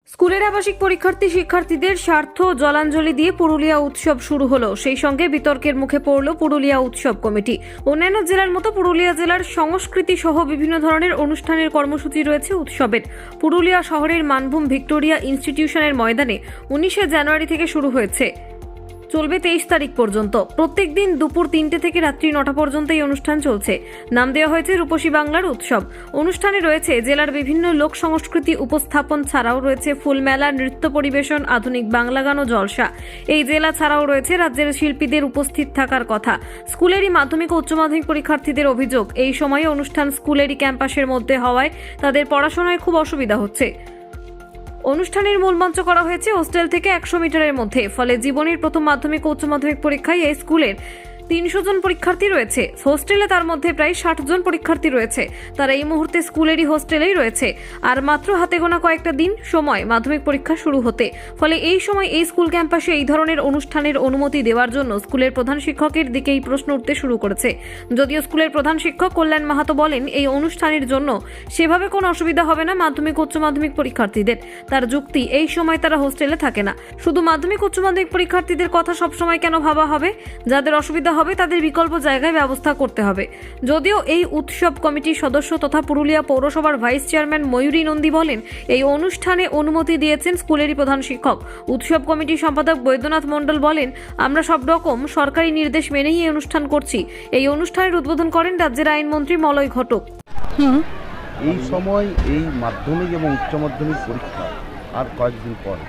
স্কুলের আবাসিক শিক্ষার্থীদের স্বার্থ জলাঞ্জলি দিয়ে পুরুলিয়া উৎসব শুরু হলো। সেই সঙ্গে বিতর্কের মুখে পড়ল পুরুলিয়া উৎসব কমিটি। অন্যান্য জেলার মতো পুরুলিয়া জেলার সংস্কৃতি সহ বিভিন্ন ধরনের অনুষ্ঠানের কর্মসূচি রয়েছে উৎসবের। পুরুলিয়া শহরের মানভূম ভিক্টোরিয়া ইনস্টিটিউশনের ময়দানে 19শে জানুয়ারি থেকে শুরু হয়েছে, চলবে 23 তারিখ পর্যন্ত। প্রত্যেক দিন দুপুর 3টে থেকে রাত্রি 9টা পর্যন্ত এই অনুষ্ঠান চলছে। নাম দেওয়া হয়েছে রূপসী বাংলার উৎসব। অনুষ্ঠানে রয়েছে জেলার বিভিন্ন লোক সংস্কৃতি উপস্থাপন ছাড়াও রয়েছে ফুলমেলা, নৃত্য পরিবেশন, আধুনিক বাংলা গান ও জলসা। এই জেলা ছাড়াও রয়েছে রাজ্যের শিল্পীদের উপস্থিত থাকার কথা। স্কুলেরই মাধ্যমিক ও উচ্চ মাধ্যমিক পরীক্ষার্থীদের অভিযোগ, এই সময়ে অনুষ্ঠান স্কুলেরই ক্যাম্পাসের মধ্যে হওয়ায় তাদের পড়াশোনায় খুব অসুবিধা হচ্ছে। অনুষ্ঠানের মূল মঞ্চ করা হয়েছে হোস্টেল থেকে 100 মিটারের মধ্যে। ফলে জীবনের প্রথম মাধ্যমিক ও উচ্চ মাধ্যমিক পরীক্ষায় এই স্কুলের 300 জন পরীক্ষার্থী রয়েছে। হোস্টেলে তার মধ্যে প্রায় 60 জন পরীক্ষার্থী রয়েছে। তারা এই মুহূর্তে স্কুলেরই হোস্টেলেই রয়েছে। আর মাত্র হাতে গোনা কয়েকটা দিন সময় মাধ্যমিক পরীক্ষা শুরু হতে। ফলে এই সময় এই স্কুল ক্যাম্পাসে এই ধরনের অনুষ্ঠানের অনুমতি দেওয়ার জন্য স্কুলের প্রধান শিক্ষকের দিকেই প্রশ্ন উঠতে শুরু করেছে। যদিও স্কুলের প্রধান শিক্ষক কল্যাণ মাহাতো বলেন, এই অনুষ্ঠানের জন্য সেভাবে কোনো অসুবিধা হবে না মাধ্যমিক উচ্চ মাধ্যমিক পরীক্ষার্থীদের। তার যুক্তি, এই সময় তারা হোস্টেলে থাকে না। শুধু মাধ্যমিক উচ্চ মাধ্যমিক পরীক্ষার্থীদের কথা সবসময় কেন ভাবা হবে? যাদের অসুবিধা হবে তাদের বিকল্প জায়গায় ব্যবস্থা করতে হবে। যদিও এই উৎসব কমিটির সদস্য তথা পুরুলিয়া পৌরসভার ভাইস চেয়ারম্যান ময়ূরী নন্দী বলেন, এই অনুষ্ঠানে অনুমতি দিয়েছেন স্কুলেরই প্রধান শিক্ষক। উৎসব কমিটির সম্পাদক বৈদ্যনাথ মণ্ডল বলেন, আমরা সব রকম সরকারি নির্দেশ মেনেই এই অনুষ্ঠান করছি। এই অনুষ্ঠানের উদ্বোধন করেন রাজ্যের আইনমন্ত্রী মলয় ঘটক। এই সময় এই মাধ্যমিক এবং উচ্চ মাধ্যমিক পরীক্ষা আর কয়েকদিন পর,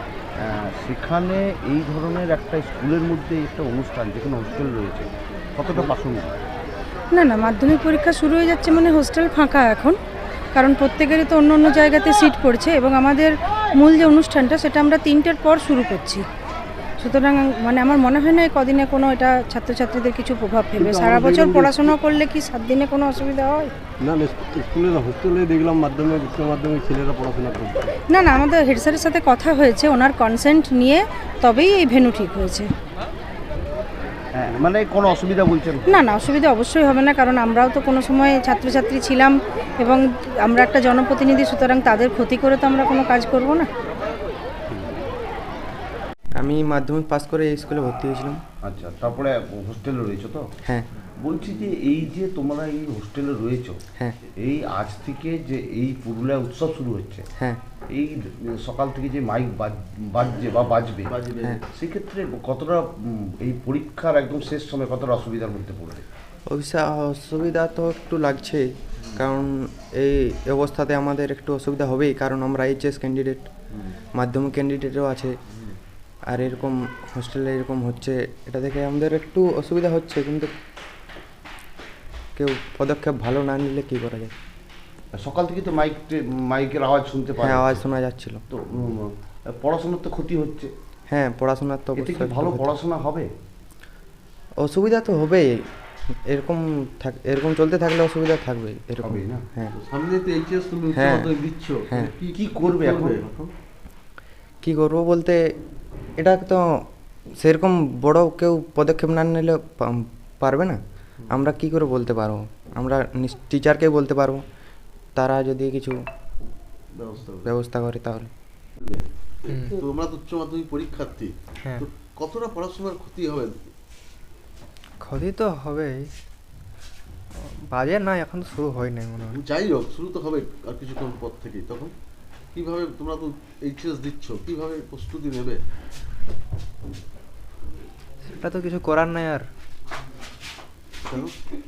সেখানে এই ধরনের একটা স্কুলের মধ্যে একটা অনুষ্ঠান, যেখানে হোস্টেল রয়েছে, কতটা প্রাসঙ্গিক? না, মাধ্যমিক পরীক্ষা শুরু হয়ে যাচ্ছে মানে হোস্টেল ফাঁকা এখন, কারণ প্রত্যেকেরই তো অন্য অন্য জায়গাতে সিট পড়ছে এবং আমাদের মূল যে অনুষ্ঠানটা সেটা আমরা 3টের পর শুরু করছি। সুতরাং মানে আমার মনে হয় না এই কদিনে কোনো এটা ছাত্রছাত্রীদের কিছু প্রভাব ফেলবে। সারা বছর পড়াশোনা করলে কি 7 দিনে কোনো অসুবিধা হয়? না, স্কুলে না, হোস্টেলে দেখলাম মাধ্যমিক উচ্চ মাধ্যমিক ছেলেরা পড়াশোনা করছে। না, আমাদের হেড স্যারের সাথে কথা হয়েছে, ওনার কনসেন্ট নিয়ে তবেই এই ভেন্যু ঠিক হয়েছে। মানে কোনো অসুবিধা বলছেন? না, অসুবিধা অবশ্যই হবে না, কারণ আমরাও তো কোনো সময় ছাত্রছাত্রী ছিলাম এবং আমরা একটা জনপ্রতিনিধি, সুতরাং তাদের ক্ষতি করে তো আমরা কোনো কাজ করব না। আমি মাধ্যমিক পাস করে এই স্কুলে ভর্তি হয়েছিলাম। আচ্ছা, তারপরে হোস্টেলে রয়েছো তো? হ্যাঁ। বলছি যে এই যে তোমরা এই হোস্টেলে রয়েছো, হ্যাঁ। এই আজ থেকে যে এই পুরুলিয়া উৎসব শুরু হচ্ছে, হ্যাঁ। এই সকাল থেকে যে মাইক বাজছে বা বাজবে, হ্যাঁ। সেক্ষেত্রে কতটা এই পরীক্ষার একদম শেষ সময় কতটা অসুবিধার মধ্যে পড়বে? অসুবিধা তো একটু লাগছেই, কারণ এই অবস্থাতে আমাদের একটু অসুবিধা হবেই, কারণ আমরা এইচএস ক্যান্ডিডেট, মাধ্যমিক ক্যান্ডিডেটও আছে। আর এরকম হোস্টেলে এরকম হচ্ছে, এটা দেখে আমাদের একটু অসুবিধা হচ্ছে, কিন্তু কেউ পদক্ষেপ ভালো না নিলে কী করা যায়। সকাল থেকে তো মাইকের আওয়াজ শুনতে পাই। হ্যাঁ, আওয়াজ শোনা যাচ্ছিল। তো পড়াশোনার তো ক্ষতি হচ্ছে। হ্যাঁ, পড়াশোনার তো এতে কি ভালো পড়াশোনা হবে? অসুবিধা তো হবেই, এরকম চলতে থাকলে অসুবিধা থাকবেই। এরকম না? হ্যাঁ। সামনে তো এইচএস তুমি উচ্চ হ্যাঁ। মাধ্যমিক দিচ্ছ, হ্যাঁ। কি করবে এখন? কী করবো বলতে, এটা তো সেরকম বড় কেউ পদক্ষেপ না নিলে পারবে না। আমরা কি করে বলতে পারবো? আমরা টিচারকে বলতে পারবো, তারা যদি কিছু ব্যবস্থা করে তাহলে। তোমরা তো উচ্চ মাধ্যমিক পরীক্ষার্থী, তো কতটা পড়াশোনার ক্ষতি হবে? ক্ষতি তো হবেই, বাজে না, এখন তো শুরু হয় নাই মনে হয়। যাই হোক, শুরু তো হবে আর কিছুক্ষণ পর থেকেই। তখন কিভাবে তোমরা তো এইচএস দিচ্ছ, কিভাবে প্রস্তুতি নেবে? সেটা তো কিছু করার নাই। আর কেন?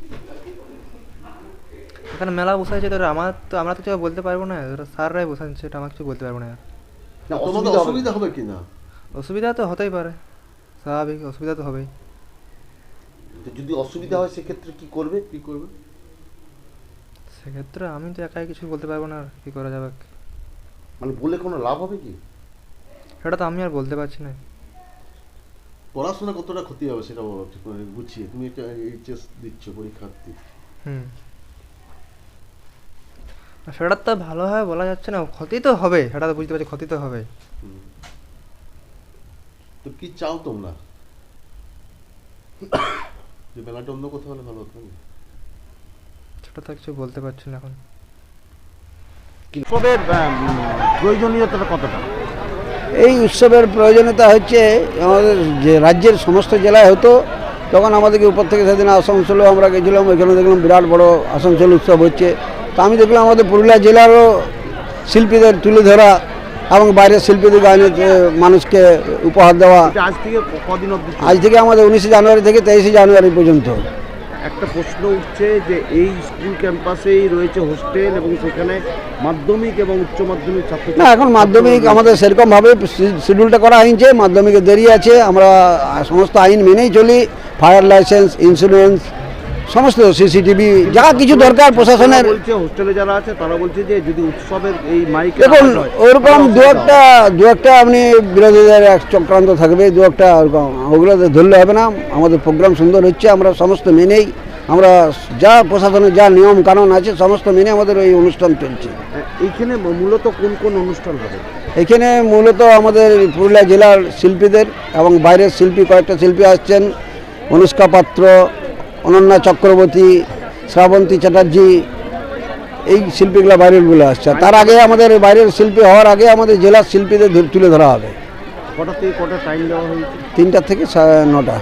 এখানে মেলা বসাইছে, তো আমরা তো কিছু বলতে পারবো না, স্যাররাই বসাচ্ছে, এটা আমরা কিছু বলতে পারবো না। আর না, তোমাদের অসুবিধা হবে কি না? অসুবিধা তো হতেই পারে, স্বাভাবিক, অসুবিধা তো হবেই। যদি অসুবিধা হয় সেক্ষেত্রে কি করবে? সেক্ষেত্রে আমি তো একাই কিছু বলতে পারবো না, আর কি করা যাবে? মানে বলে কোনো লাভ হবে কি? সেটা তো আমি আর বলতে পারছি না। পড়াশোনা কতটা ক্ষতি হবে সেটা বলো ঠিক করে বুঝিয়ে। তুমি একটা এইচএস দিচ্ছ, পরীক্ষার্থী। সেটা তো ভালোভাবে বলা যাচ্ছে না, ক্ষতি তো হবে, সেটা তো বুঝতে পারছি, ক্ষতি তো হবে। তো কি চাও তোমরা? যে মেলাটা অন্য কোথাও হলে ভালো হতো না? সেটা তো কিছু বলতে পারছি না এখন। উৎসবের প্রয়োজনীয়তাটা কতটা? এই উৎসবের প্রয়োজনীয়তা হচ্ছে আমাদের যে রাজ্যের সমস্ত জেলায় হতো, তখন আমাদেরকে উপর থেকে সেদিন আসানসোলেও আমরা গেছিলাম, ওইখানে দেখলাম বিরাট বড় আসানসোল উৎসব হচ্ছে। তো আমি দেখলাম আমাদের পুরুলিয়া জেলারও শিল্পীদের তুলে ধরা এবং বাইরের শিল্পীদের গানে মানুষকে উপহার দেওয়া। এটা আজ থেকে কদিন অবধি? আজ থেকে আমাদের 19শে জানুয়ারি থেকে 23শে জানুয়ারি পর্যন্ত। একটা প্রশ্ন উঠছে যে এই স্কুল ক্যাম্পাসেই রয়েছে হোস্টেল এবং সেখানে মাধ্যমিক এবং উচ্চ মাধ্যমিক ছাত্র না, এখন মাধ্যমিক আমাদের সেরকমভাবে শিডিউলটা করা হয়েছে, মাধ্যমিকে দেরি আছে। আমরা সমস্ত আইন মেনেই চলি, ফায়ার লাইসেন্স, ইন্স্যুরেন্স, সমস্ত সিসিটিভি যা কিছু দরকার প্রশাসনের। বলছে হোস্টেলে যারা আছে তারা বলছে যে যদি উৎসবের এই মাইক দেখুন ওরকম দু একটা আপনি বিরোধীদের এক চক্রান্ত থাকবে, দু একটা ওরকম, ওগুলো ধরলে হবে না। আমাদের প্রোগ্রাম সুন্দর হচ্ছে, আমরা সমস্ত মেনেই, আমরা যা প্রশাসনের যা নিয়ম কানুন আছে সমস্ত মেনে আমাদের এই অনুষ্ঠান চলছে। এইখানে মূলত কোন কোন অনুষ্ঠান হবে? এখানে মূলত আমাদের পুরুলিয়া জেলার শিল্পীদের এবং বাইরের শিল্পী, কয়েকটা শিল্পী আসছেন, অনুষ্কা পাত্র, অনন্যা চক্রবর্তী, শ্রাবন্তী চ্যাটার্জি, এই শিল্পীগুলো বাইরেরগুলো আসছে। তার আগে আমাদের বাইরের শিল্পী হওয়ার আগে আমাদের জেলার শিল্পীদের তুলে ধরা হবে। কটা থেকে কটা টাইম দেওয়া হয়েছে? 3টা থেকে 9টা।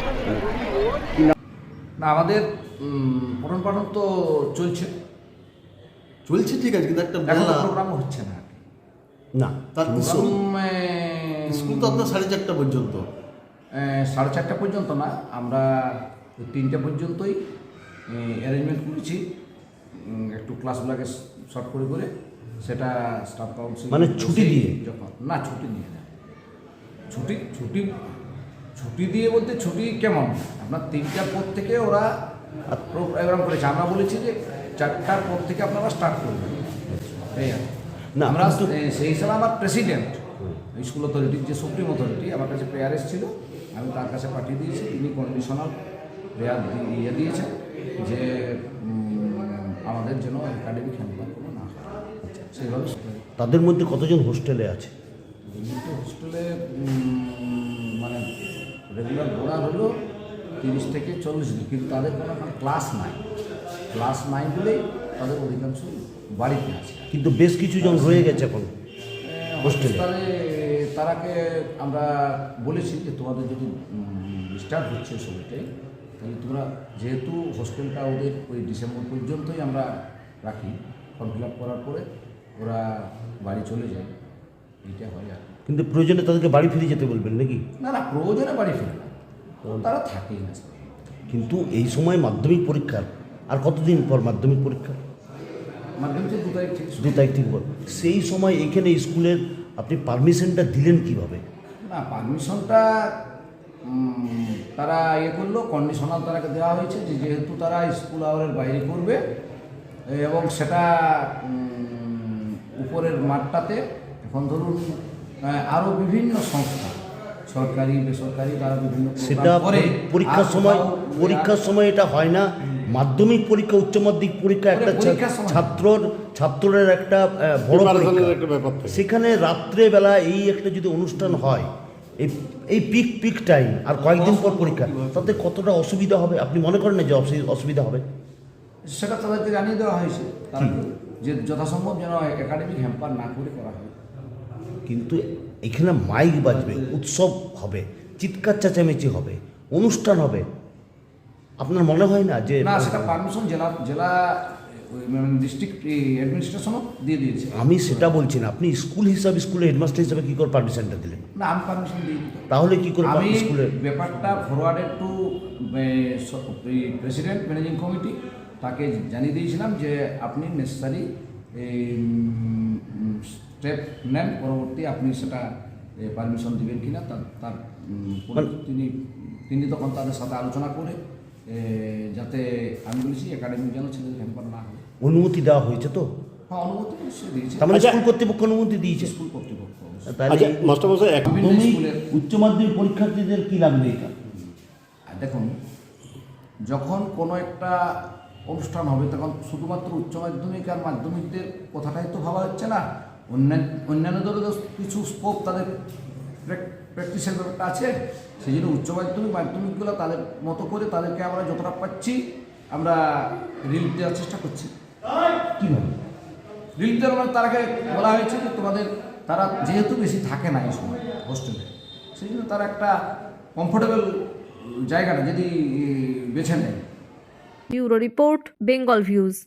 না, আমাদের পঠন পাঠন তো চলছে, ঠিক আছে, কিন্তু একটা এখন মেলা প্রোগ্রাম হচ্ছে না। না, তার স্কুল তো আপনার 4:30 পর্যন্ত। 4:30 পর্যন্ত না, আমরা 3টে পর্যন্তই অ্যারেঞ্জমেন্ট করেছি। একটু ক্লাসগুলোকে শর্ট করে করে সেটা স্টাফ কাউন্সিল মানে ছুটি দিয়ে? যখন না, ছুটি দিয়ে না, ছুটি ছুটি ছুটি দিয়ে বলতে ছুটি কেমন, আপনার 3টার পর থেকে ওরা প্রোগ্রাম করেছে। আমরা বলেছি যে 4টার পর থেকে আপনারা স্টার্ট করবেন, এই আর না, আমরা সেই হিসাবে আমার প্রেসিডেন্ট স্কুল অথরিটির যে সুপ্রিম অথরিটি, আমার কাছে প্রেয়ার এসেছিল, আমি তার কাছে পাঠিয়ে দিয়েছি। তিনি কন্ডিশনাল প্রেয়ার দিয়েছেন যে আমাদের যেন একাডেমিক হ্যাম্পার কোনো না হয়, সেইভাবে। তাদের মধ্যে কতজন হোস্টেলে আছে? হোস্টেলে মানে রেগুলার ঘোরা হলো 30 থেকে 40 জন, কিন্তু তাদের কোনো এখন ক্লাস নাই বলেই তাদের অধিকাংশ বাড়িতে আছে। কিন্তু বেশ কিছু জন রয়ে গেছে এখন হোস্টেলে। তারাকে আমরা বলেছি যে তোমাদের যদি ডিস্টার্ব হচ্ছে সময়টাই, তাহলে তোমরা, যেহেতু হোস্টেলটা ওদের ওই ডিসেম্বর পর্যন্তই আমরা রাখি, ফর্ম ফিল আপ করার পরে ওরা বাড়ি চলে যায়, এইটা হয় আর। কিন্তু প্রয়োজনে তাদেরকে বাড়ি ফিরে যেতে বলবেন নাকি? না, প্রয়োজনে বাড়ি ফিরে না, তারা থাকেই না। কিন্তু এই সময় মাধ্যমিক পরীক্ষার আর কতদিন পর মাধ্যমিক পরীক্ষা? মাধ্যমিক 2 তারিখ থেকে 2 তারিখ থেকে পর। সেই সময় এখানে স্কুলের আপনি পারমিশনটা দিলেন কিভাবে? না, পারমিশনটা তারা করলো, কন্ডিশনাল তারাকে দেওয়া হয়েছে যে যেহেতু তারা স্কুল আওয়ারের বাইরে করবে এবং সেটা উপরের মাঠটাতে, এখন ধরুন আরও বিভিন্ন সংস্থা, সরকারি বেসরকারি, তারা বিভিন্ন সেটা পরীক্ষার সময় এটা হয় না। মাধ্যমিক পরীক্ষা, উচ্চ মাধ্যমিক পরীক্ষা একটা ছাত্রের একটা বড় পরীক্ষা, সেখানে রাত্রেবেলা এই একটা যদি অনুষ্ঠান হয়, এই পিক টাইম আর কয়েকদিন পর পরীক্ষা, তাতে কতটা অসুবিধা হবে আপনি মনে করেন না যে অসুবিধা হবে? সেটা তাদেরকে জানিয়ে দেওয়া হয়েছে যে যথাসম্ভব যেন একাডেমিক হ্যাম্পার না করে করা হয়। কিন্তু এখানে মাইক বাজবে, উৎসব হবে, চিৎকার চেঁচামেচি হবে, অনুষ্ঠান হবে, আপনার মনে হয় না যে? না, সেটা পারমিশন জেলা ডিস্ট্রিক্ট অ্যাডমিনিস্ট্রেশনও দিয়ে দিয়েছে। আমি সেটা বলছি না, আপনি স্কুল হিসাবে, স্কুলের হেডমাস্টার হিসাবে কী করে পারমিশনটা দিলেন? না, আমি পারমিশন দিই। তাহলে কী করে আমি স্কুলের ব্যাপারটা forwarded to president managing committee, তাকে জানিয়ে দিয়েছিলাম যে আপনি নেসেসারি স্টেপ নেন, পরবর্তী আপনি সেটা পারমিশন দেবেন কিনা তার তিনি তখন তাদের সাথে আলোচনা করে, যাতে আমি বলেছি একাডেমিক যেন ছেলেদের হ্যাম্পার না হয়। অনুমতি দেওয়া হয়েছে তো? হ্যাঁ, অনুমতি দিয়েছে। তার মানে স্কুল কর্তৃপক্ষ অনুমতি দিয়েছে? স্কুল কর্তৃপক্ষ। উচ্চ মাধ্যমিক পরীক্ষার্থীদের কি লাগবে এটা? দেখুন, যখন কোনো একটা অনুষ্ঠান হবে তখন শুধুমাত্র উচ্চ মাধ্যমিক আর মাধ্যমিকদের কথাটাই তো ভাবা হচ্ছে না, অন্যান্যদেরও কিছু স্কোপ, তাদের প্র্যাকটিসের ব্যাপারটা আছে। সেই জন্য উচ্চ মাধ্যমিকগুলো তাদের মতো করে তাদেরকে আমরা যতটা পাচ্ছি আমরা রিলিফ দেওয়ার চেষ্টা করছি। কীভাবে? রিলিফ দেওয়ার মানে তারাকে বলা হয়েছে যে তোমাদের তারা যেহেতু বেশি থাকে না এই সময় হোস্টেলে, সেই জন্য তারা একটা কমফোর্টেবল জায়গাটা যদি বেছে নেয়। Bureau report, Bengal views.